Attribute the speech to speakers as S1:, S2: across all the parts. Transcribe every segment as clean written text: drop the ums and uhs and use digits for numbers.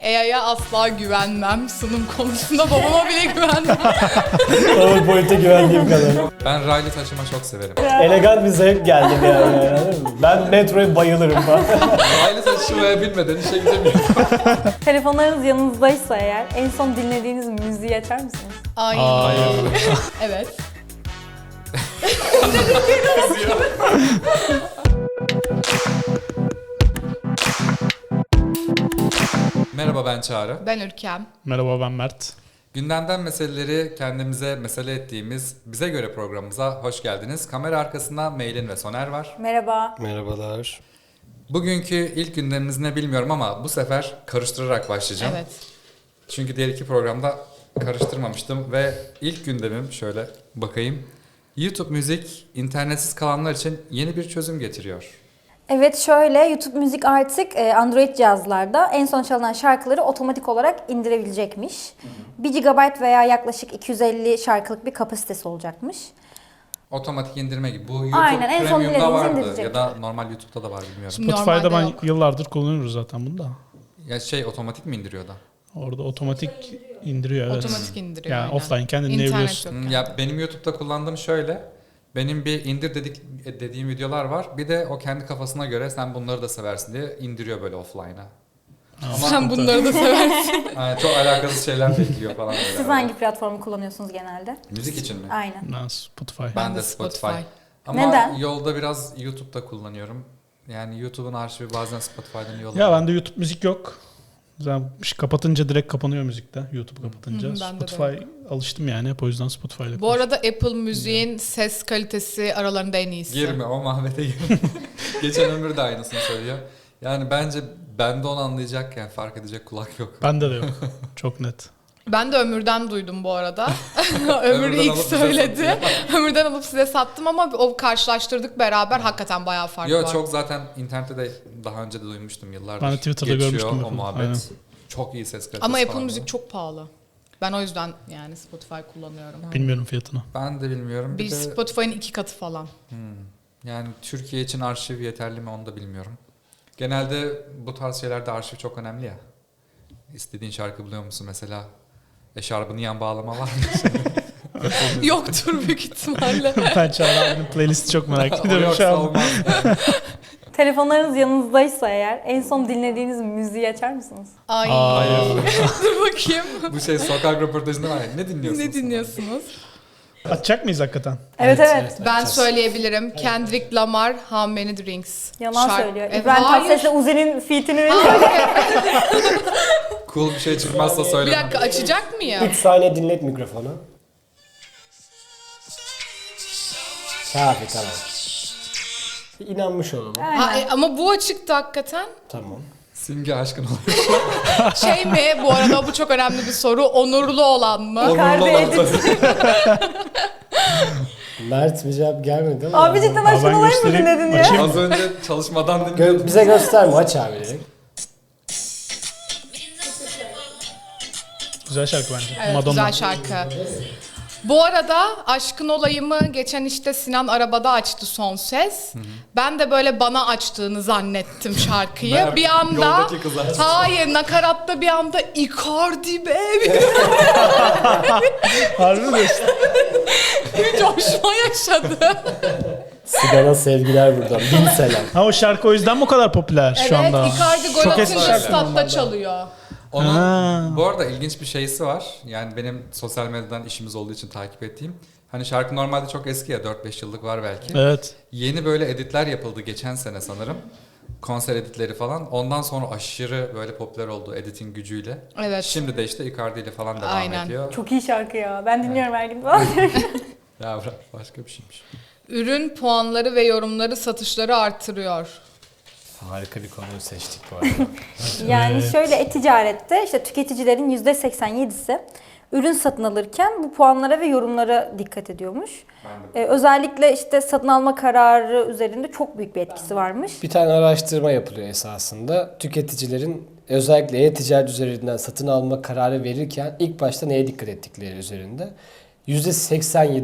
S1: AI'ya asla güvenmem. Sunum konusunda babama bile güvenmem.
S2: PowerPoint'e güvendiğim kadar.
S3: Ben raylı taşıma çok severim.
S2: Elegant bir zevk geldi bir yani. Ben metroya bayılırım falan.
S3: Raylı taşımaya bilmeden işe gidemiyorum.
S4: Telefonlarınız yanınızdaysa eğer en son dinlediğiniz müziği açar mısınız?
S1: Ay. Evet.
S3: Merhaba, ben Çağrı.
S1: Ben Ürkem.
S5: Merhaba, ben Mert.
S3: Gündemden meseleleri kendimize mesele ettiğimiz Bize Göre programımıza hoş geldiniz. Kamera arkasında Meylin ve Soner var.
S4: Merhaba.
S2: Merhabalar.
S3: Bugünkü ilk gündemimiz ne bilmiyorum ama bu sefer karıştırarak başlayacağım.
S1: Evet.
S3: Çünkü diğer iki programda karıştırmamıştım ve ilk gündemim şöyle bakayım. YouTube müzik internetsiz kalanlar için yeni bir çözüm getiriyor.
S4: Evet, şöyle YouTube müzik artık Android cihazlarda en son çalınan şarkıları otomatik olarak indirebilecekmiş. 1 GB veya yaklaşık 250 şarkılık bir kapasitesi olacakmış.
S3: Otomatik indirme gibi. Bu YouTube
S4: Aynen, en son
S3: Premium'da
S4: dilediğinizi
S3: vardı
S4: indirecek.
S3: ya da normal YouTube'da da var bilmiyorum.
S5: Spotify'da
S1: Normalde
S5: ben
S1: yok.
S5: yıllardır kullanıyoruz zaten bunu da.
S3: Ya otomatik mi indiriyor da?
S5: Orada otomatik indiriyor, evet.
S1: Otomatik indiriyor.
S5: Yani
S1: aynen.
S5: offline kendin
S1: İnternet
S5: dinleyebiliyorsun.
S1: yok yani.
S3: Ya benim YouTube'da kullandığım şöyle. Benim bir indir dediğim videolar var. Bir de o kendi kafasına göre sen bunları da seversin diye indiriyor böyle offline'a.
S1: Sen bunları da seversin.
S3: Yani çok alakasız şeyler bekliyor falan böyle.
S4: Siz hangi platformu kullanıyorsunuz genelde?
S3: Müzik için mi?
S4: Aynen.
S5: Ben Spotify.
S3: Ben de Spotify. Ama
S4: Neden?
S3: yolda biraz YouTube'da kullanıyorum. Yani YouTube'un arşivi bazen Spotify'dan yolluyor.
S5: Ya bende YouTube müzik yok. Zaten kapatınca direkt kapanıyor müzikte. YouTube kapatınca.
S1: Hı hı, bende de
S5: Spotify alıştım yani. Hep o yüzden Spotify'la
S1: Bu arada Apple Müziğin ses kalitesi aralarında en iyisi.
S3: Girme o mahvete girme. Geçen Ömür de aynısını söylüyor. Yani bence bende onu anlayacakken fark edecek kulak yok.
S5: Bende de yok. Çok net.
S1: Ben de Ömür'den duydum bu arada. Ömür
S3: Ömür'den
S1: ilk
S3: alıp bize
S1: söyledi. Ömür'den alıp size sattım ama o karşılaştırdık beraber. Hakikaten bayağı fark
S3: Yo
S1: var.
S3: çok zaten internette de daha önce de duymuştum yıllardır.
S5: Ben de Twitter'da
S3: Geçiyor
S5: görmüştüm
S3: o
S5: Apple'ı,
S3: muhabbet.
S5: aynen.
S3: Çok iyi ses kalitesi
S1: Ama Apple
S3: falan
S1: Müzik
S3: var.
S1: çok pahalı. Ben o yüzden yani Spotify kullanıyorum.
S5: Bilmiyorum fiyatını.
S3: Ben de bilmiyorum.
S1: Bir
S3: Bir de
S1: Spotify'ın 2 katı falan.
S3: yani Türkiye için arşiv yeterli mi onu da bilmiyorum. Genelde bu tarz şeylerde arşiv çok önemli ya. İstediğin şarkı buluyor musun mesela? Eşarbını yan bağlama var mı?
S1: Yoktur büyük ihtimalle.
S5: Ben Çağrı abinin playlisti çok merak
S3: O
S5: ediyorum şu
S3: yoksa
S5: an.
S3: olmaz. Yani.
S4: Telefonlarınız yanınızdaysa eğer en son dinlediğiniz müziği açar mısınız?
S1: Ay.
S5: Hayır.
S1: Dur bakayım.
S3: Bu sokak röportajında var ya. Ne dinliyorsunuz?
S1: Ne dinliyorsunuz?
S5: Açacak mıyız hakikaten?
S4: Evet.
S1: Ben söyleyebilirim. Kendrick Lamar, How Many Drinks.
S4: Yalan
S1: Şarkı-
S4: söylüyor.
S1: E,
S4: İbrahim
S1: hayır.
S4: Tatlıses'le Uzi'nin feat'ini veriyor.
S3: Cool bir şey çıkmazsa
S1: Bir
S3: söyle.
S1: dakika açacak mıyım?
S2: 3 saniye dinlet mikrofonu. Kafi, tamam. İnanmış olalım.
S1: Ha, ama bu açıktı hakikaten.
S2: Tamam.
S3: Simge aşkın oluyor.
S1: Şey mi bu arada bu çok önemli bir soru. Onurlu olan mı?
S3: Onurlu olan
S4: edit.
S2: Mert bir cevap gelmedi ama.
S4: Abi cidden
S5: Aa,
S4: aşkın
S5: ben
S4: olayım mı
S5: göstereyim.
S4: dinledin ya?
S5: Açayım.
S3: Az önce çalışmadan dinliyordum.
S2: Bize gösterme, aç abi direkt.
S5: Güzel şarkı bence.
S1: Evet,
S5: Madonna.
S1: güzel şarkı. Bu arada Aşkın Olayım'ı geçen işte Sinan arabada açtı son ses. Ben de böyle bana açtığını zannettim şarkıyı.
S3: Meğer
S1: Bir anda
S3: yoldaki kız açtı.
S1: hayır nakaratta bir anda Icardi be
S5: Harbi mi diyorsun?
S1: bir coşma yaşadı.
S2: Sigan'a sevgiler buradan. Bin selam.
S5: Ha, o şarkı o yüzden bu kadar popüler şu anda.
S1: Evet Icardi gol
S5: Çok eski
S1: atınca
S5: şarkı
S1: statta
S5: normalde.
S1: çalıyor.
S3: Onun
S5: Ha.
S3: bu arada ilginç bir şeysi var. Yani benim sosyal medyadan işimiz olduğu için takip ettiğim. Hani şarkı normalde çok eski ya 4-5 yıllık var belki.
S5: Evet.
S3: Yeni böyle editler yapıldı geçen sene sanırım. Konser editleri falan. Ondan sonra aşırı böyle popüler oldu editin gücüyle.
S1: Evet.
S3: Şimdi de işte Icardi ile falan devam
S1: Aynen.
S3: ediyor.
S4: Çok iyi şarkı ya. Ben dinliyorum her gün falan.
S3: Ya bırak başka bir şeymiş.
S1: Ürün puanları ve yorumları satışları artırıyor.
S2: Harika bir konuyu seçtik bu arada.
S4: Yani
S5: Evet.
S4: şöyle e-ticarette işte tüketicilerin %87'si ürün satın alırken bu puanlara ve yorumlara dikkat ediyormuş. Özellikle işte satın alma kararı üzerinde çok büyük bir etkisi varmış.
S2: Bir tane araştırma yapılıyor esasında. Tüketicilerin özellikle e-ticaret üzerinden satın alma kararı verirken ilk başta neye dikkat ettikleri üzerinde.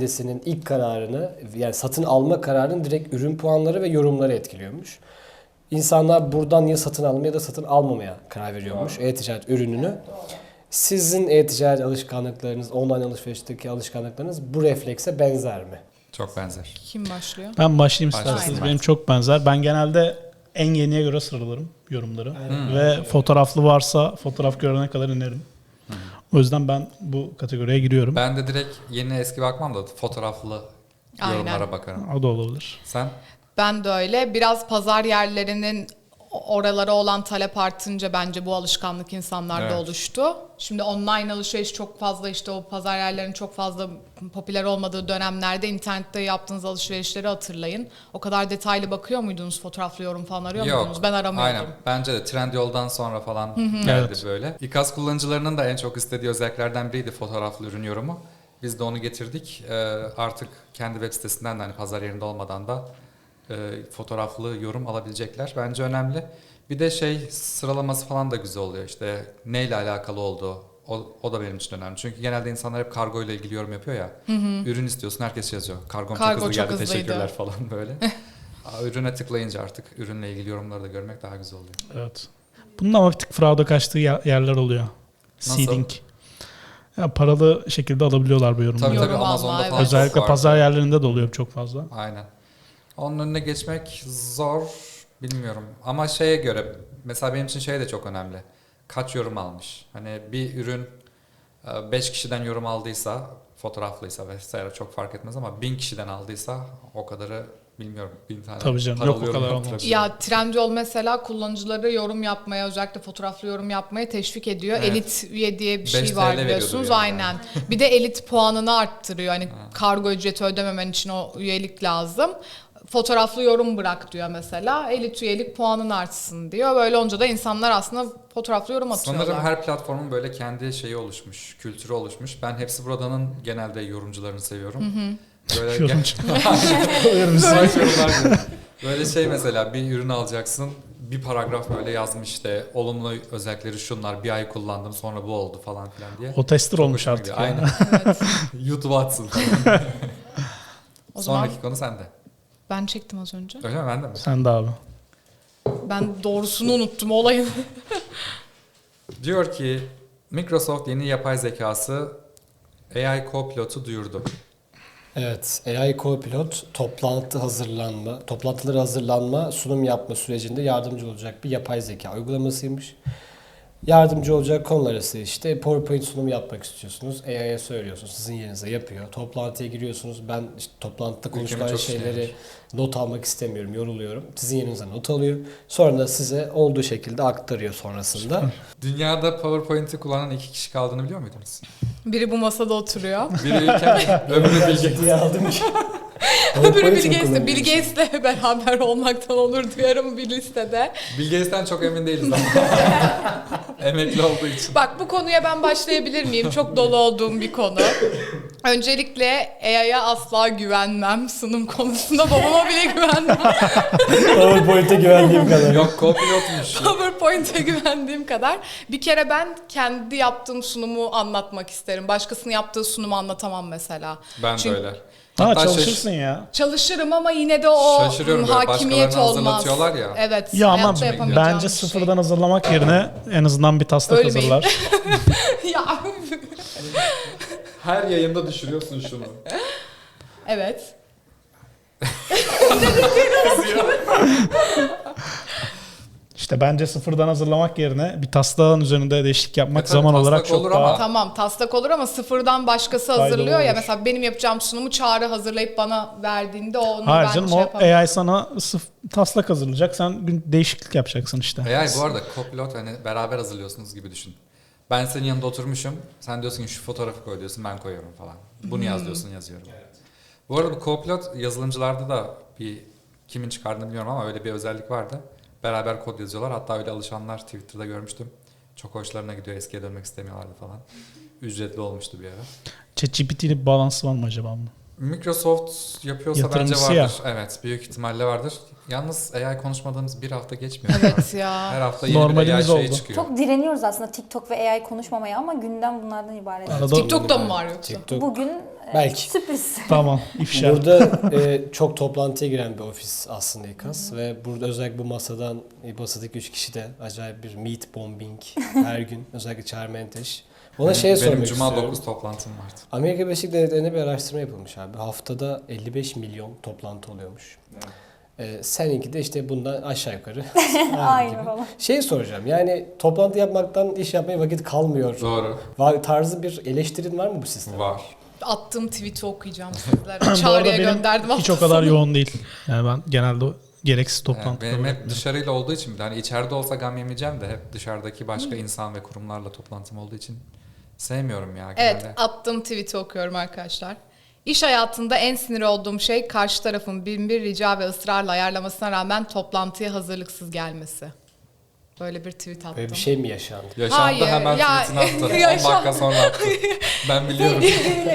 S2: %87'sinin ilk kararını, yani satın alma kararının direkt ürün puanları ve yorumları etkiliyormuş. insanlar buradan ya satın almaya ya da satın almamaya karar veriyormuş e-ticaret ürününü. Sizin e-ticaret alışkanlıklarınız, online alışverişteki alışkanlıklarınız bu reflekse benzer mi?
S3: Çok benzer.
S1: Kim başlıyor?
S5: Ben başlayayım
S3: Başla.
S5: isterseniz.
S3: Aynen.
S5: Benim çok benzer. Ben genelde en yeniye göre sıralarım yorumları. Ve fotoğraflı varsa fotoğraf görene kadar inerim. O yüzden ben bu kategoriye giriyorum.
S3: Ben de direkt yeni eski bakmam da fotoğraflı
S1: Aynen.
S3: yorumlara bakarım.
S5: O da olabilir.
S3: Sen?
S1: Ben de öyle. Biraz pazar yerlerinin oralara olan talep artınca bence bu alışkanlık insanlarda
S3: Evet.
S1: oluştu. Şimdi online alışveriş çok fazla, işte o pazar yerlerinin çok fazla popüler olmadığı dönemlerde internette yaptığınız alışverişleri hatırlayın. O kadar detaylı bakıyor muydunuz? Fotoğraflı yorum falan arıyor muydunuz? Ben aramıyordum.
S3: Aynen. Bence de Trendyol'dan sonra falan geldi
S5: Evet.
S3: böyle. İKAS kullanıcılarının da en çok istediği özelliklerden biriydi fotoğraflı ürün yorumu. Biz de onu getirdik. Artık kendi web sitesinden de hani pazar yerinde olmadan da fotoğraflı yorum alabilecekler. Bence önemli. Bir de sıralaması falan da güzel oluyor. İşte neyle alakalı olduğu. O da benim için önemli. Çünkü genelde insanlar hep kargo ile ilgili yorum yapıyor ya. Ürün istiyorsun, herkes yazıyor. Kargom
S1: Kargo
S3: çok hızlı
S1: çok
S3: geldi,
S1: hızlıydı.
S3: teşekkürler falan böyle. Ürüne tıklayınca artık ürünle ilgili yorumları da görmek daha güzel oluyor.
S5: Evet. Bunun ama bir tık frauda kaçtığı yerler oluyor.
S3: Nasıl?
S5: Seeding. Ya paralı şekilde alabiliyorlar bu yorumları.
S3: Tabii
S1: Yorum
S3: tabii
S1: alma,
S3: Amazon'da
S1: evet.
S3: falan
S5: Özellikle
S3: çok var.
S5: pazar yerlerinde de oluyor çok fazla.
S3: Aynen. Onun önüne geçmek zor, bilmiyorum. Ama şeye göre, mesela benim için de çok önemli. Kaç yorum almış? Hani bir ürün 5 kişiden yorum aldıysa, fotoğraflıysa vesaire çok fark etmez ama 1000 kişiden aldıysa o kadarı bilmiyorum. 1000 tane
S5: Tabii canım,
S3: paralı
S5: yok o
S3: yorum
S5: kadar olmaz.
S3: yaptırabilir.
S1: Ya Trendyol mesela kullanıcıları yorum yapmaya, özellikle fotoğraflı yorum yapmaya teşvik ediyor.
S3: Evet.
S1: Elit üye diye bir
S3: 5
S1: şey
S3: TL
S1: var
S3: veriyordur
S1: biliyorsunuz.
S3: yani.
S1: Aynen. Bir de elit puanını arttırıyor. Hani kargo ücreti ödememen için o üyelik lazım. Fotoğraflı yorum bırak diyor mesela. Elit üyelik puanın artsın diyor. Böyle olunca da insanlar aslında fotoğraflı yorum atıyorlar.
S3: Sanırım her platformun böyle kendi şeyi oluşmuş, kültürü oluşmuş. Ben Hepsi Burada'nın genelde yorumcularını seviyorum. Böyle
S5: Yorumcu.
S3: Böyle mesela bir ürün alacaksın. Bir paragraf böyle yazmış işte olumlu özellikleri şunlar, bir ay kullandım sonra bu oldu falan filan diye.
S5: O tester olmuş
S3: Hoşuma
S5: artık.
S3: gidiyor.
S5: ya.
S3: Aynen. YouTube'a atsın.
S1: O zaman
S3: Sonraki konu sende.
S1: ben çektim az önce.
S3: Öyle mi? Ben de mi?
S5: Sen de abi.
S1: Ben doğrusunu unuttum olayın.
S3: Diyor ki Microsoft yeni yapay zekası AI Copilot'u duyurdu.
S2: Evet, AI Copilot toplantıları hazırlanma, sunum yapma sürecinde yardımcı olacak bir yapay zeka uygulamasıymış. Yardımcı olacak konular arası işte PowerPoint sunum yapmak istiyorsunuz. AI'ye söylüyorsunuz, sizin yerinize yapıyor. Toplantıya giriyorsunuz. Ben işte toplantıda konuşulan
S3: çok
S2: şeyleri
S3: işlemiş.
S2: not almak istemiyorum, yoruluyorum. Sizin yerinize not alıyor. Sonra da size olduğu şekilde aktarıyor sonrasında.
S3: Dünyada PowerPoint'i kullanan 2 kişi kaldığını biliyor muydunuz?
S1: Biri bu masada oturuyor.
S3: Biri ülken, öbürü Bill Gates.
S2: Ciddiye aldım ki.
S1: Öbürü Bill
S2: PowerPoint mi
S1: Gates'le. Bill
S2: kullanıyorsun?
S1: Gates'le beraber olmaktan onur duyarım bir listede.
S3: Bill Gates'ten çok emin değiliz ama. Emekli olduğu için.
S1: Bak, bu konuya ben başlayabilir miyim? Çok dolu olduğum bir konu. Öncelikle AI'ya asla güvenmem. Sunum konusunda babama bile güvenmem.
S2: PowerPoint'e güvendiğim kadar.
S3: Yok Copilot'muş.
S1: PowerPoint'e güvendiğim kadar. Bir kere ben kendi yaptığım sunumu anlatmak isterim. Başkasının yaptığı sunumu anlatamam mesela.
S3: Ben
S1: Çünkü-
S3: de öyle.
S5: Ha
S3: Hatta
S5: çalışırsın ya.
S1: Çalışırım ama yine de o
S3: Şaşırıyorum böyle,
S1: hakimiyet
S3: başkalarını
S1: olmaz.
S3: hazırlatıyorlar ya.
S1: Evet.
S5: Ya ama
S1: hayatta yapamayacağım
S5: bence
S1: bir şey.
S5: sıfırdan hazırlamak yerine en azından bir taslak
S1: Ölmeyin.
S5: hazırlar.
S1: Ya,
S3: Her yayında düşürüyorsun şunu.
S1: evet.
S5: İşte bence sıfırdan hazırlamak yerine bir taslağın üzerinde değişiklik yapmak
S3: tabii
S5: zaman
S3: taslak
S5: olarak çok
S3: olur
S5: daha...
S3: ama-
S1: Tamam, taslak olur ama sıfırdan başkası
S5: Faydalı
S1: hazırlıyor ya.
S5: olur.
S1: Mesela benim yapacağım sunumu Çağrı hazırlayıp bana verdiğinde onu
S5: Hayır
S1: ben
S5: canım
S1: şey
S5: o
S1: yapamam.
S5: AI sana taslak hazırlayacak. Sen değişiklik yapacaksın işte.
S3: AI bu arada Copilot hani beraber hazırlıyorsunuz gibi düşün. Ben senin yanında oturmuşum. Sen diyorsun ki şu fotoğrafı koy diyorsun, ben koyuyorum falan. Bunu yaz diyorsun, yazıyorum. Bu arada bu Copilot yazılımcılarda da kimin çıkardığını bilmiyorum ama öyle bir özellik vardı. Beraber kod yazıyorlar. Hatta öyle alışanlar Twitter'da görmüştüm. Çok hoşlarına gidiyor. Eskiye dönmek istemiyorlardı falan. Ücretli olmuştu bir ara.
S5: ChatGPT'nin bir bağlantısı var mı acaba bunun?
S3: Microsoft yapıyorsa bence
S5: Yatırımcısı
S3: vardır.
S5: ya.
S3: Evet, büyük ihtimalle vardır. Yalnız AI konuşmadığımız bir hafta geçmiyor.
S1: Evet ya.
S3: Her hafta yeni bir
S5: Normalimiz
S3: AI şey
S5: oldu.
S3: çıkıyor.
S4: Çok direniyoruz aslında TikTok ve AI konuşmamaya ama gündem bunlardan ibaret.
S5: Arada
S1: TikTok'ta mı var yoksa?
S2: TikTok.
S4: Bugün
S2: Belki.
S4: Sürpriz.
S5: Tamam. ifşa.
S2: Burada çok toplantıya giren bir ofis aslında İKAS ve burada özellikle bu masadaki 3 kişi de acayip bir meat bombing her gün, özellikle Çağrı Menteş. Ona
S3: Benim
S2: sormak
S3: Cuma
S2: istiyorum.
S3: 9 toplantım vardı.
S2: Amerika Birleşik Devletleri'nde bir araştırma yapılmış abi. Haftada 55 milyon toplantı oluyormuş. Seninki de işte bundan aşağı yukarı.
S4: Aynı
S2: gibi.
S4: falan.
S2: Soracağım, yani toplantı yapmaktan iş yapmaya vakit kalmıyor.
S3: Doğru.
S2: Tarzı bir eleştirin var mı bu sisteme?
S3: Var.
S1: Attığım tweet'i okuyacağım sizlere.
S5: Bu arada
S1: Çağrı'ya
S5: benim
S1: gönderdim.
S5: hiç
S1: hafta
S5: o kadar
S1: sonu.
S5: yoğun değil. Yani ben genelde gereksiz
S3: Yani
S5: toplantıları
S3: benim hep
S5: bırakmıyorum.
S3: dışarıyla olduğu için, hani içeride olsa gam yemeyeceğim de hep dışarıdaki başka insan ve kurumlarla toplantım olduğu için sevmiyorum ya genelde.
S1: Evet, attığım tweet'i okuyorum arkadaşlar. İş hayatında en sinir olduğum şey karşı tarafın bin bir rica ve ısrarla ayarlamasına rağmen toplantıya hazırlıksız gelmesi. Böyle bir tweet attım.
S2: Böyle bir şey mi yaşandı?
S3: Yaşandı,
S1: Hayır,
S3: hemen
S1: ya-
S3: tweetini attı. 10
S1: Yaşan-
S3: dakika sonra attı. Ben biliyorum.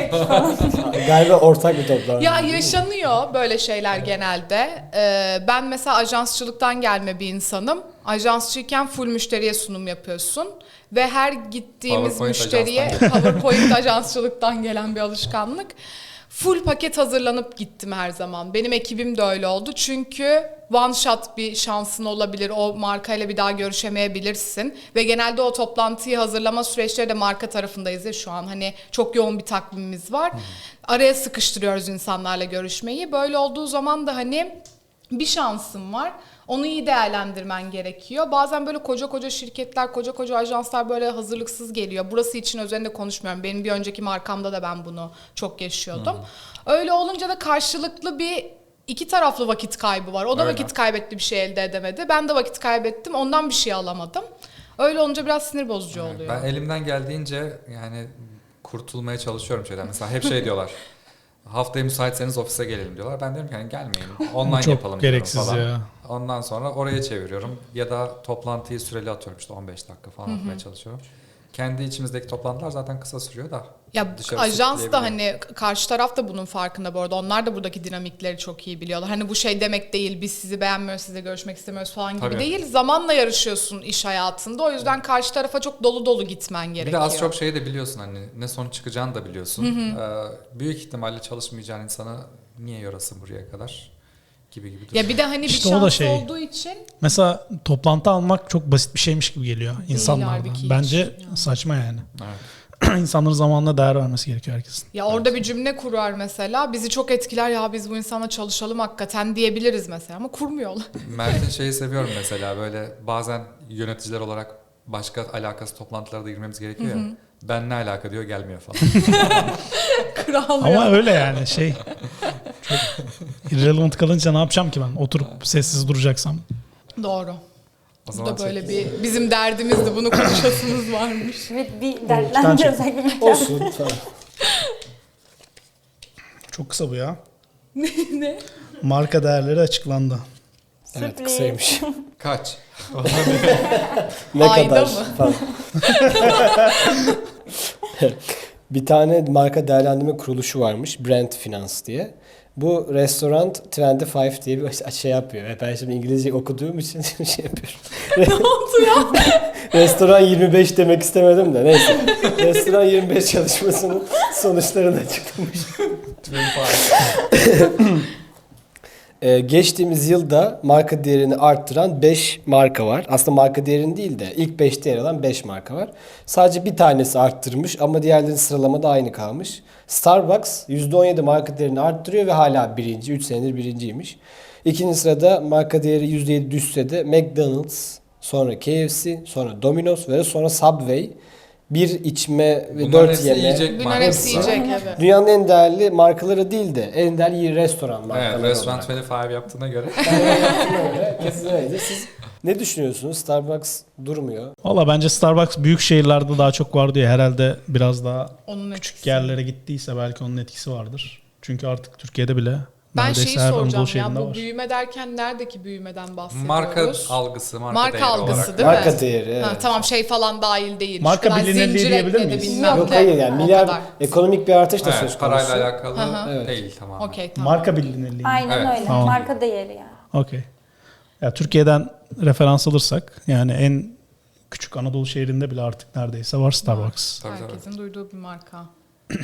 S2: Galiba ortak bir toplantı.
S1: Ya yaşanıyor böyle şeyler genelde. Ben mesela ajansçılıktan gelme bir insanım. Ajansçıyken full müşteriye sunum yapıyorsun. Ve her gittiğimiz
S3: PowerPoint
S1: müşteriye PowerPoint ajansçılıktan gelen bir alışkanlık. Full paket hazırlanıp gittim her zaman. Benim ekibim de öyle oldu. Çünkü one shot bir şansın olabilir. O markayla bir daha görüşemeyebilirsin. Ve genelde o toplantıyı hazırlama süreçleri de marka tarafındayız ya şu an. Hani çok yoğun bir takvimimiz var. Araya sıkıştırıyoruz insanlarla görüşmeyi. Böyle olduğu zaman da hani bir şansın var. Onu iyi değerlendirmen gerekiyor. Bazen böyle koca şirketler, koca ajanslar böyle hazırlıksız geliyor. Burası için özelinde konuşmuyorum. Benim bir önceki markamda da ben bunu çok yaşıyordum. Öyle olunca da karşılıklı iki taraflı vakit kaybı var. O da
S3: Öyle.
S1: vakit kaybetti, bir şey elde edemedi. Ben de vakit kaybettim, ondan bir şey alamadım. Öyle olunca biraz sinir bozucu oluyor.
S3: Ben elimden geldiğince yani kurtulmaya çalışıyorum şeyden. Mesela hep şey diyorlar. Haftaya müsaitseniz ofise gelelim diyorlar. Ben diyorum ki hani gelmeyin. Online
S5: Çok
S3: yapalım diyorum
S5: gereksiz
S3: falan.
S5: ya.
S3: Ondan sonra oraya çeviriyorum. Ya da toplantıyı süreli atıyorum, işte 15 dakika falan atmaya çalışıyorum. Kendi içimizdeki toplantılar zaten kısa sürüyor da.
S1: Ya
S3: dışarı
S1: ajans da
S3: sürükleyebiliyor.
S1: hani karşı taraf da bunun farkında bu arada. Onlar da buradaki dinamikleri çok iyi biliyorlar. Hani bu şey demek değil, biz sizi beğenmiyoruz, sizle görüşmek istemiyoruz falan gibi
S3: Tabii.
S1: değil. Zamanla yarışıyorsun iş hayatında. O yüzden karşı tarafa çok dolu gitmen
S3: Bir
S1: gerekiyor.
S3: de az çok şeyi de biliyorsun, hani ne sonuç çıkacağını da biliyorsun. Büyük ihtimalle çalışmayacağın insana niye yorasın buraya kadar gibi duruyor.
S1: Ya bir de hani
S5: İşte
S1: bir
S5: o da
S1: şans
S5: şey.
S1: olduğu için
S5: Mesela toplantı almak çok basit bir şeymiş gibi geliyor insanlarda.
S1: halbuki hiç.
S5: Bence saçma yani.
S3: Evet.
S5: İnsanların zamanına değer vermesi gerekiyor herkesin.
S1: ya orada bir cümle kurar mesela. Bizi çok etkiler, ya biz bu insanla çalışalım hakikaten diyebiliriz mesela ama kurmuyorlar.
S3: Mert'in şeyi seviyorum mesela, böyle bazen yöneticiler olarak başka alakası toplantılara da girmemiz gerekiyor ya. Ben ne alaka diyor, gelmiyor falan.
S1: Kral
S5: Ama
S1: ya.
S5: öyle yani şey. Çok irrelevant kalınca ne yapacağım ki ben? Oturup sessiz duracaksam.
S1: Doğru.
S3: O
S1: Bu
S3: zaman
S1: da böyle bir bizim derdimizdi. Bunu konuşasımız varmış.
S4: Evet, bir
S5: tane
S4: dertlendi
S5: çek.
S4: özellikle.
S2: Olsun. Tamam.
S5: Çok kısa bu ya.
S1: Ne?
S5: Marka değerleri açıklandı.
S2: Evet,
S4: Sürpriz.
S2: kısaymış.
S3: kaç?
S2: Ne
S1: Ayda
S2: kadar
S1: mı?
S2: falan. Bir tane marka değerlendirme kuruluşu varmış, Brand Finance diye. Bu Restaurant 25 diye bir şey yapıyor. Ve ben şimdi İngilizce okuduğum için şey yapıyorum.
S1: Ne oldu ya?
S2: Restoran 25 demek istemedim de neyse. Restoran 25 çalışmasının sonuçlarını açıklamış. Geçtiğimiz yılda marka değerini arttıran 5 marka var. Aslında marka değerini değil de ilk 5'te yer alan 5 marka var. Sadece bir tanesi arttırmış ama diğerlerinin sıralamada aynı kalmış. Starbucks %17 marka değerini arttırıyor ve hala birinci. 3 senedir birinciymiş. İkinci sırada marka değeri %7 düşse de McDonald's, sonra KFC, sonra Domino's ve sonra Subway. Bir içme ve
S3: Bunların
S2: 4
S3: hepsi
S2: yeme.
S3: yiyecek
S1: Bunlar hepsi
S3: markası.
S1: yiyecek evet.
S2: Dünyanın en değerli markaları değil de en değerli restoran markaları
S3: Evet, Restaurant
S2: olarak.
S3: 25 yaptığına göre.
S2: Kesin öyle. Siz ne düşünüyorsunuz? Starbucks durmuyor.
S5: Valla bence Starbucks büyük şehirlerde daha çok var diye herhalde biraz daha
S1: Onun
S5: küçük
S1: etkisi.
S5: yerlere gittiyse belki onun etkisi vardır. Çünkü artık Türkiye'de bile
S1: Ben
S5: neredeyse
S1: şeyi
S5: her
S1: soracağım
S5: Anadolu
S1: ya,
S5: şehrinde
S1: bu
S5: var.
S1: büyüme derken neredeki büyümeden bahsediyoruz?
S3: Marka algısı, marka değeri
S1: algısı
S3: olarak.
S1: değil mi?
S2: Marka değeri. Evet.
S1: Ha, tamam, şey falan dahil değil.
S5: Marka
S1: Şu kadar
S5: bilinirliği
S1: zincir
S5: diyebilir
S1: ekledi,
S5: miyiz?
S1: bilmem
S2: Yok
S1: ne.
S2: hayır yani
S1: O
S2: milyar
S1: kadar.
S2: ekonomik bir artış da söz
S3: Evet,
S2: konusu.
S3: parayla alakalı
S1: Hı hı.
S3: değil tamamen.
S1: Okey, tamam.
S5: Marka bilinirliği.
S4: Aynen
S3: Evet.
S4: öyle.
S5: Tamam.
S4: Marka değeri yani.
S5: Okey. Ya Türkiye'den referans alırsak yani en küçük Anadolu şehrinde bile artık neredeyse var Starbucks.
S3: Tabii, tabii.
S1: Herkesin duyduğu bir marka.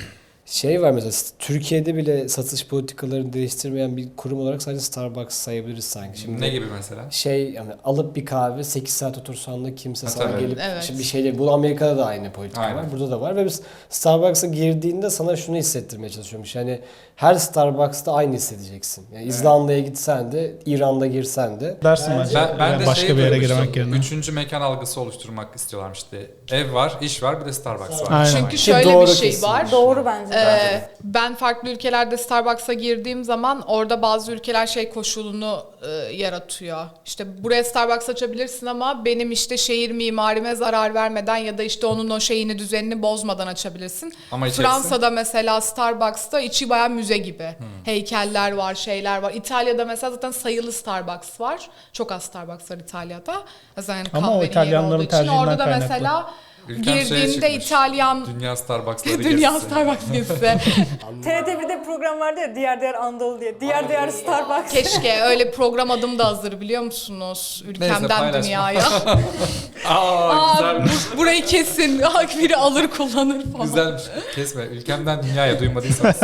S2: Şey var mesela Türkiye'de bile satış politikalarını değiştirmeyen bir kurum olarak sadece Starbucks sayabiliriz sanki. Şimdi
S3: Ne gibi mesela?
S2: şey yani alıp bir kahve 8 saat otursan da kimse sana
S3: tabii.
S2: gelip
S1: Evet.
S2: şimdi bir şeyle bu Amerika'da da aynı politika
S3: Aynen.
S2: var. Burada da var ve biz Starbucks'a girdiğinde sana şunu hissettirmeye çalışıyormuş. Yani her Starbucks'ta aynı hissedeceksin. Yani İzlanda'ya gitsen de İran'da girsen de
S5: Dersin bence.
S3: Ben de
S5: Başka
S3: şeyi
S5: bir yere
S3: duymuştum.
S5: girmek yerine.
S3: Üçüncü mekan algısı oluşturmak istiyorlarmış işte. Ev var, iş var, bir de Starbucks var.
S5: Aynen.
S1: Çünkü
S2: Ki
S1: şöyle
S2: doğru
S1: bir şey
S2: kesin.
S1: var.
S4: Doğru bence.
S1: Ben farklı ülkelerde Starbucks'a girdiğim zaman orada bazı ülkeler şey koşulunu yaratıyor. İşte buraya Starbucks açabilirsin ama benim işte şehir mimarime zarar vermeden ya da işte onun o şeyini düzenini bozmadan açabilirsin.
S3: Ama içerisi-
S1: Fransa'da mesela Starbucks'ta içi bayağı müze gibi. Heykeller var, şeyler var. İtalya'da mesela zaten sayılı Starbucks var. Çok az Starbucks var İtalya'da. Zaten
S5: Ama o
S1: kahvenin yeri
S5: İtalyanların
S1: olduğu için.
S5: tercihinden
S1: Orada da
S5: kaynaklı.
S1: mesela
S3: Ülkem şeye
S1: girdiğinde
S3: çıkmış.
S1: İtalyan
S3: Dünya Starbucks'ları
S1: Dünya
S3: gezisi.
S1: Starbucks gezisi.
S4: TRT1'de bir program vardı ya, Diğer Diğer Anadolu diye. Diğer Diğer Starbucks.
S1: Keşke öyle program adım da hazır biliyor musunuz? Ülkemden
S3: paylaşma.
S1: dünyaya.
S3: Aa, güzelmiş.
S1: Burayı kesin. Biri alır kullanır falan.
S3: Güzelmiş. Kesme. Ülkemden dünyaya duymadıysanız.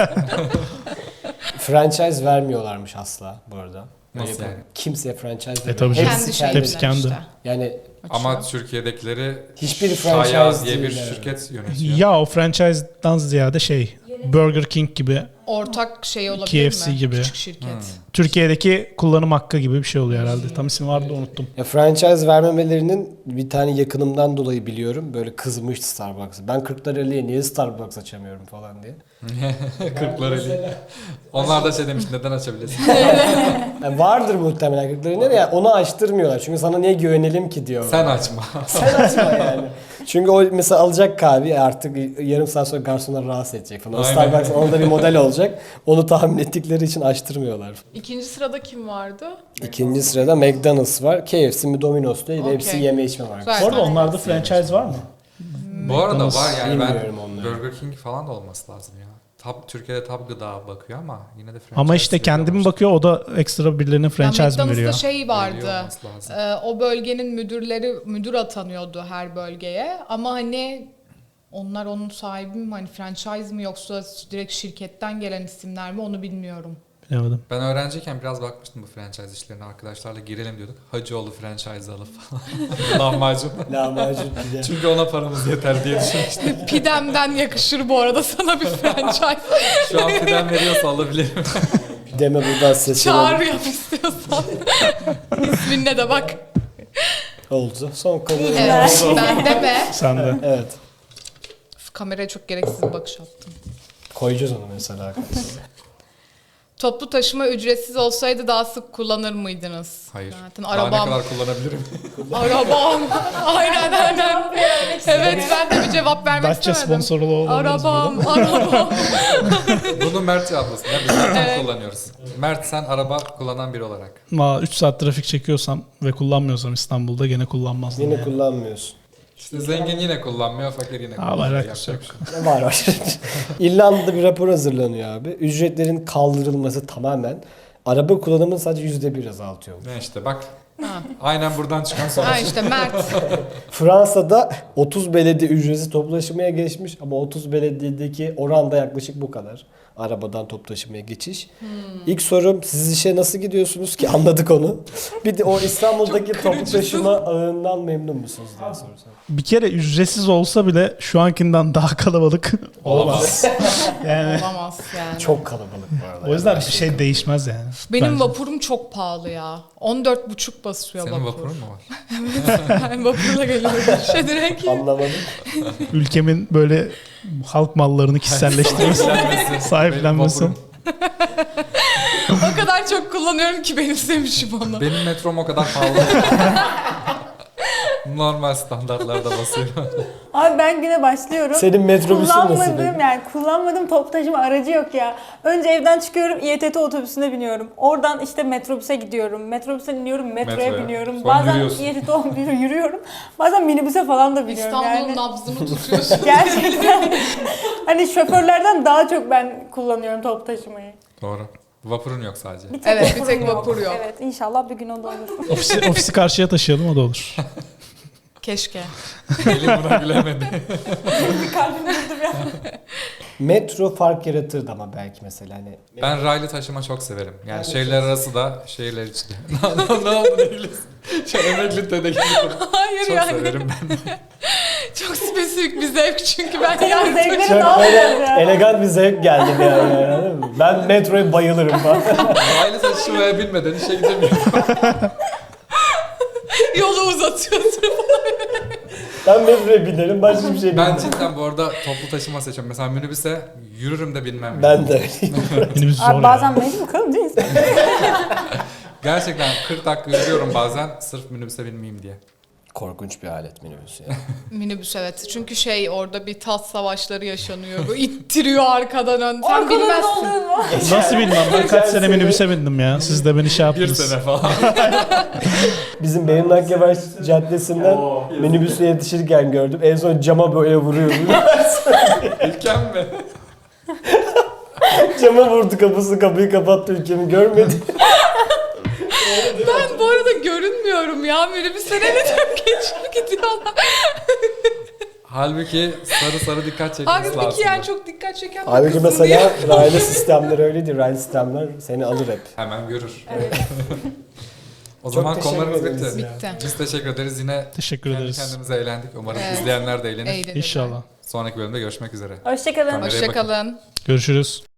S2: franchise vermiyorlarmış asla bu arada.
S3: Nasıl
S2: Böyle
S3: yani?
S2: Kimseye franchise
S5: tabii
S2: vermiyor.
S5: canım.
S1: Kendi şeyinden
S5: Hepsi kendi.
S1: işte.
S2: Yani
S3: Ama Türkiye'dekileri
S2: Hiçbir
S3: Shaya
S2: franchise
S3: diye bir
S2: değil, evet.
S3: şirket yönetiyor.
S5: Ya o franchise'dan ziyade Burger King gibi,
S1: Ortak şey olabilir
S5: KFC
S1: mi?
S5: gibi.
S1: Küçük şirket.
S5: Türkiye'deki kullanım hakkı gibi bir şey oluyor herhalde. Tam ismi vardı unuttum.
S2: ya franchise vermemelerinin bir tane yakınımdan dolayı biliyorum. Böyle kızmıştı Starbucks'a. Ben Kırklareli'ye niye Starbucks açamıyorum falan diye.
S3: Kırklareli. Onlar da şey demiş neden açabilirsin?
S2: Yani vardır muhtemelen Kırklareli'ne de yani onu açtırmıyorlar. Çünkü sana niye güvenelim ki diyor.
S3: Sen açma.
S2: Sen açma yani. Çünkü o mesela alacak kahve artık yarım saat sonra garsonları rahatsız edecek falan. O
S3: Aynen.
S2: Starbucks'ın onda bir model olacak. Onu tahmin ettikleri için açtırmıyorlar.
S1: İkinci sırada kim vardı?
S2: İkinci sırada McDonald's var. KFC mi Domino's değil.
S1: Okey.
S2: Hepsi yeme içme var.
S1: Güzel.
S5: Bu arada onlarda franchise var mı?
S3: Bu arada var yani
S2: Bilmiyorum
S3: ben
S2: onları.
S3: Burger King falan da olması lazım ya. Türkiye'de Tab Gıda bakıyor ama yine de franchise
S5: Ama işte kendi mi bakıyor, o da ekstra birilerine franchise mi
S1: McDonald's'ta
S5: veriyor?
S1: şey
S3: Veriyor
S1: vardı.
S3: olması lazım.
S1: O bölgenin müdür atanıyordu her bölgeye. Ama hani onlar onun sahibi mi? Hani franchise mi yoksa direkt şirketten gelen isimler mi onu bilmiyorum.
S5: Bilemedim.
S3: Ben öğrenciyken biraz bakmıştım bu franchise işlerine. Arkadaşlarla girelim diyorduk. Hacıoğlu franchise alıp falan. Lahmacun.
S2: Lahmacun pide.
S3: Çünkü ona paramız yeter diye düşünmüştüm.
S1: Pidem'den yakışır bu arada sana bir franchise.
S3: Şu an pidem veriyorsa alabilirim.
S2: Deme buradan sesini
S1: Çağrı yap istiyorsan. İsminle de bak.
S2: oldu. Son konu.
S1: Evet, ben de mi?
S5: Sen de.
S2: Evet.
S1: Kameraya çok gereksiz bir bakış attım.
S2: Koyacağız onu mesela.
S1: Toplu taşıma ücretsiz olsaydı daha sık kullanır mıydınız?
S3: Hayır.
S1: Zaten
S3: Daha ne
S1: arabam.
S3: kadar kullanabilirim?
S1: Arabam. aynen. Evet ben de bir cevap vermek
S5: Datça
S1: istemedim.
S5: sponsorlu olabiliriz
S1: Arabam.
S3: Bunu Mert cevaplasın. Ya biz zaten kullanıyoruz. Mert sen araba kullanan biri olarak.
S5: Ama 3 saat trafik çekiyorsam ve kullanmıyorsam İstanbul'da gene kullanmazdım.
S2: Yine
S5: yani.
S2: kullanmıyorsun.
S3: İşte zengin yine kullanmıyor, fakir yine
S5: Aa,
S3: kullanıyor.
S5: alakası
S3: Yapacak
S5: yok.
S3: bir şey.
S2: Var. İrlanda'da bir rapor hazırlanıyor abi. Ücretlerin kaldırılması tamamen araba kullanımını sadece %1 azaltıyor.
S3: Ne işte bak. Aynen buradan çıkan sonuç.
S1: Ha işte Mert.
S2: Fransa'da 30 belediye ücretsiz toplu taşımaya geçmiş ama 30 belediyedeki oran da yaklaşık bu kadar. Arabadan toplu taşımaya geçiş. İlk sorum siz işe nasıl gidiyorsunuz ki anladık onu. Bir de o İstanbul'daki toplu taşıma ağından memnun musunuz diye sorsam.
S5: Bir kere ücretsiz olsa bile şu ankinden daha kalabalık olamaz. Yani
S1: Olamaz yani.
S2: Çok kalabalık bu arada.
S5: o yüzden bir şey değişmez yani.
S1: Benim
S5: Bence.
S1: vapurum çok pahalı ya. 14,5 basıyor
S3: Senin
S1: vapur.
S3: vapurun mu var?
S1: Ben vapurla geliyorum işe direkt.
S2: Anlamadım.
S5: Ülkemin böyle halk mallarını kişiselleştirmesi, sahiplenmesi.
S3: Benim vapurum.
S1: O kadar çok kullanıyorum ki benimsemişim onu.
S3: Benim metrom o kadar pahalı. Normal standartlarda basıyorum.
S4: Abi ben güne başlıyorum.
S2: Senin metrobüsün nasıl
S4: Kullanmadığım
S2: peki?
S4: yani kullanmadığım toplu taşıma aracı yok ya. Önce evden çıkıyorum, İETT otobüsüne biniyorum. Oradan işte metrobüse gidiyorum. Metrobüse iniyorum, metroya
S3: Metroya.
S4: biniyorum.
S3: Sonra
S4: Bazen
S3: yürüyorsun.
S4: İETT olmuyor, yürüyorum. Bazen minibüse falan da biniyorum
S1: İstanbul'un
S4: yani.
S1: nabzını tutuyorsun.
S4: Gerçekten. Hani şoförlerden daha çok ben kullanıyorum toplu taşımayı.
S3: Doğru. Vapurun yok sadece.
S4: Bir
S1: Evet, bir
S4: vapurum
S1: tek vapur yok.
S4: Evet, inşallah bir gün o da olur.
S5: Ofisi karşıya taşıyalım, o da olur.
S1: Keşke.
S3: Elim buna gülemedi.
S4: Bir kalbim durdu bir an.
S2: Metro fark yaratırdı ama belki mesela hani.
S3: Ben raylı taşıma çok severim. Yani
S2: Ben de
S3: şehirler
S2: çok
S3: arası da şehirler içi de. Ne oldu ne gülüyorsun? Şu emekli dede gibi.
S1: Hayır
S3: Çok
S1: yani.
S3: severim ben.
S1: Çok spesifik bir zevk çünkü ben
S4: Senin
S1: yani
S4: zevklerin
S2: Çok
S4: ne
S2: böyle
S4: yapıyor ya?
S2: elegant bir zevk geldi bir an yani, anladın mı? Ben metroya bayılırım falan.
S3: Raylı taşımaya binmeden işe gidemiyorum.
S1: yolu uzatıyorsun.
S2: Ben metroya binerim, başka bir şey
S3: Ben
S2: bilmem.
S3: cidden bu arada toplu taşıma seçiyorum. Mesela minibüse yürürüm de binmem. yani.
S2: Ben de öyleyim.
S5: Minibüs zor
S4: Abi
S5: ya.
S4: bazen mecbur kalın değil mi?
S3: Gerçekten 40 dakika yürüyorum bazen sırf minibüse binmeyeyim diye.
S2: Korkunç bir alet minibüs ya.
S1: Minibüs evet. Çünkü orada bir tat savaşları yaşanıyor. Bu ittiriyor arkadan ön. Sen
S4: Arkaların
S1: bilmezsin.
S4: olduğunu mu?
S5: Nasıl bilmem, ben kaç sene minibüse bindim ya. Siz de beni şey
S3: Bir
S5: yaptınız.
S3: sene falan.
S2: Bizim Beyin Akyavaş Caddesi'nden minibüse yetişirken gördüm. En son cama böyle vuruyordu.
S3: İlken mi?
S2: Cama vurdu kapıyı kapattı, ülkemi görmedi.
S1: Ben bu arada görünmüyorum ya. Minibüsler evet hep geçip gidiyorlar.
S3: Halbuki sarı dikkat çekmesi lazım.
S1: Halbuki yani çok dikkat çeken bir
S2: Halbuki
S1: kızım
S2: mesela
S1: diye.
S2: raylı sistemler öyledir. Raylı sistemler seni alır hep.
S3: Hemen görür. O
S2: Çok
S3: zaman
S2: teşekkür
S3: konularımız
S2: ederiz
S3: bitti.
S2: ya.
S1: Bitti.
S3: Biz teşekkür ederiz. Yine
S5: Teşekkür
S3: kendi
S5: ederiz.
S3: kendimize eğlendik. Umarım
S1: Evet.
S3: izleyenler de eğlenir.
S1: Eğlenirler.
S5: İnşallah.
S3: Sonraki bölümde görüşmek üzere.
S4: Hoşçakalın.
S3: Kameraya bakın.
S1: Hoşçakalın.
S5: Görüşürüz.